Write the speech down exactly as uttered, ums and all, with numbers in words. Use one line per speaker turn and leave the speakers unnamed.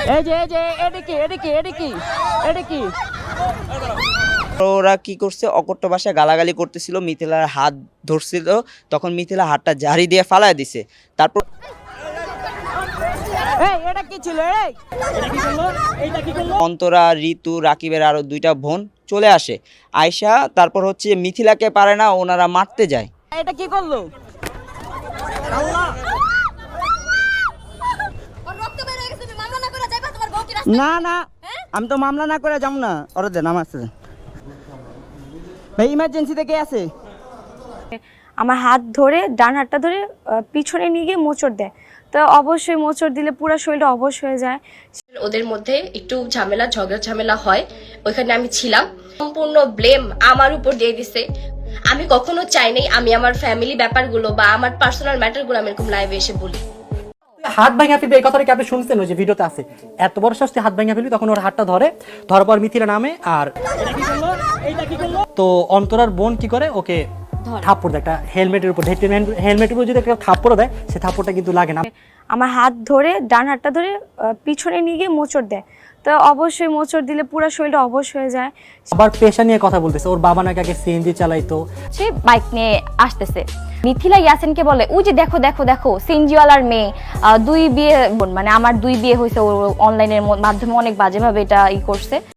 এই যে এই যে এটা কি এটা কি এটা কি এটা কি
ওরা কি করছে অকট্য ভাষায় গালাগালি করতেছিল, মিথিলার হাত ধরছিল, তখন মিথিলা হাতটা জারি দিয়ে ফালায় দিছে। তারপর
এই এটা কি ছিল এই এটা কি করলো এইটা কি করলো
অন্তরা, ঋতু, রাকিবের আরো দুইটা বোন চলে আসে। আয়শা তারপর হচ্ছে মিথিলাকে পারে না, ওনারা মারতে যায়।
এটা কি করলো আল্লাহ না না আমি তো মামলা না করে যাব না। ওরা দেন আমার আছে ভাই, ইমার্জেন্সি থেকে আছে।
আমার হাত ধরে ডান হাতটা ধরে আহ, পিছনে নিয়ে গিয়ে মোচড় দেয়। তো অবশ্যই মোচড় দিলে পুরো শরীরটা অবশ হয়ে যায়।
ওদের মধ্যে একটু ঝামেলা ঝগড়া ঝামেলা হয়, ওইখানে আমি ছিলাম। সম্পূর্ণ ব্লেম আমার উপর দিয়ে দিছে। আমি কখনো চাই নাই আমি আমার ফ্যামিলি ব্যাপারগুলো বা আমার পার্সোনাল ম্যাটারগুলো আমি এরকম লাইভে এসে বলি।
হাত ভাঙা ফেলবে এই কথাটা কি আপনি শুনছেন? ওই যে ভিডিওতে আছে, এত বড় শাস্তি হাত ভাঙা ফেলবি, তখন ওর হাতটা ধরে, ধরার পর মিথিলা নামে আর তো অন্তরার বোন কি করে ওকে থাপ্পড় দেয় একটা হেলমেটের উপর, হেলমেটের উপর যদি একটা থাপ্পড় দেয়, সে থাপ্পড়টা কিন্তু লাগে না।
আমার হাত ধরে ডান হাতটা ধরে আহ, পিছনে নিয়ে গিয়ে মোচড় দেয়। তো অবশ্যই মোচড় দিলে পুরো শরীরটা অবশ হয়ে যায়।
আবার পেশা নিয়ে কথা বলতেছে, ওর বাবা নাকি আগে সিএনজি চালাইতো।
সে বাইক নিয়ে আসতেছে, মিথিলা ইয়াসিনকে বলে ওই যে দেখো দেখো দেখো সিনজিওয়ালার মেয়ে, আহ, দুই বিয়ে, মানে আমার দুই বিয়ে হয়েছে, ও অনলাইনের মাধ্যমে অনেক বাজেভাবে এটা ই করছে।